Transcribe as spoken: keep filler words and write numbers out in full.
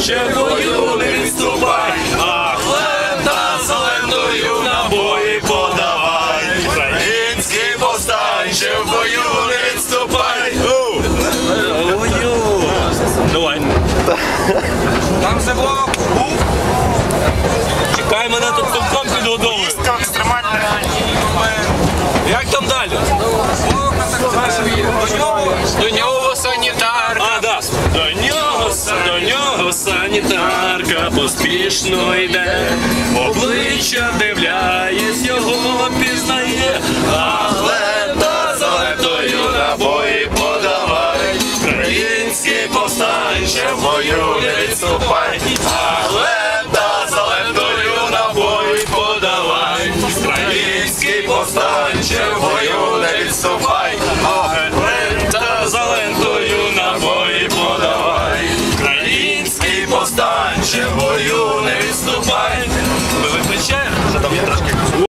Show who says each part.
Speaker 1: повстанче, в бою не відступай, ах, лента за лентою набої подавай. Український повстанче, в бою не відступай. Давай.
Speaker 2: Там все було.
Speaker 1: Чекай, мене тут цілком підгодовує. Як там далі?
Speaker 2: До нього санітарка.
Speaker 1: А, да. До нього, до нього санітарка поспішно йде. Обличчя дивляєсь, його пізнає. А лента за лентою набої подавай. Український повстанче, в бою не відступай.